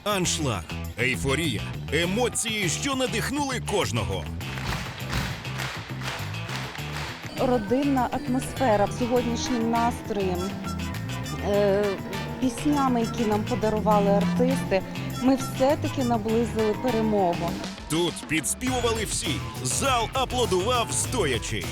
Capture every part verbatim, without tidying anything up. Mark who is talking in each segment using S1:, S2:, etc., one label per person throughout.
S1: Аншлаг, ейфорія, емоції, що надихнули кожного.
S2: Родинна атмосфера сьогоднішнім настроєм, е, піснями, які нам подарували артисти, ми все-таки наблизили перемогу.
S1: Тут підспівували всі. Зал аплодував стоячи.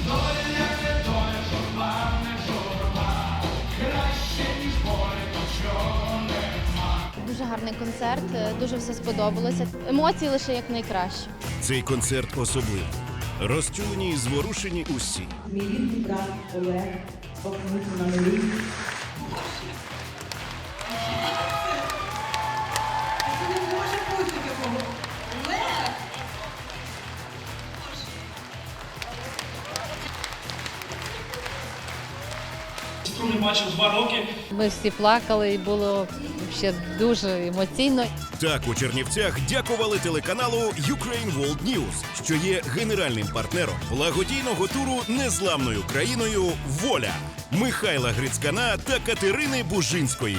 S3: Дуже гарний концерт, дуже все сподобалося. Емоції лише як найкраще.
S1: Цей концерт особливий. Розчулені і зворушені усі.
S4: Мій рідний брат Олег покинувся на милі. Це не може бути такого. Олег!
S5: Не бачив два роки.
S6: Ми всі плакали і було ще дуже емоційно.
S1: Так у Чернівцях дякували телеканалу Ukraine World News, що є генеральним партнером благодійного туру незламною країною «Воля» Михайла Грицькана та Катерини Бужинської.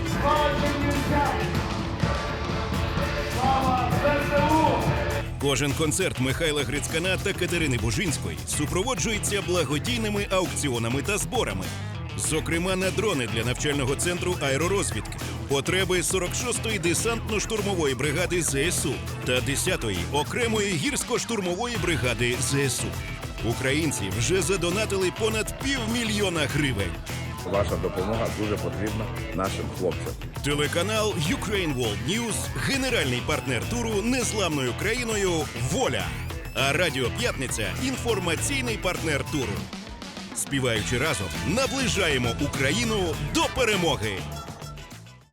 S1: Кожен концерт Михайла Грицькана та Катерини Бужинської супроводжується благодійними аукціонами та зборами. Зокрема, на дрони для навчального центру аеророзвідки, потреби сорок шостої десантно-штурмової бригади ЗСУ та десятої окремої гірсько-штурмової бригади ЗСУ. Українці вже задонатили понад півмільйона гривень.
S7: Ваша допомога дуже потрібна нашим хлопцям.
S1: Телеканал Ukraine World News – генеральний партнер туру незламною країною «Воля». А Радіо П'ятниця – інформаційний партнер туру. Співаючи разом, наближаємо Україну до перемоги!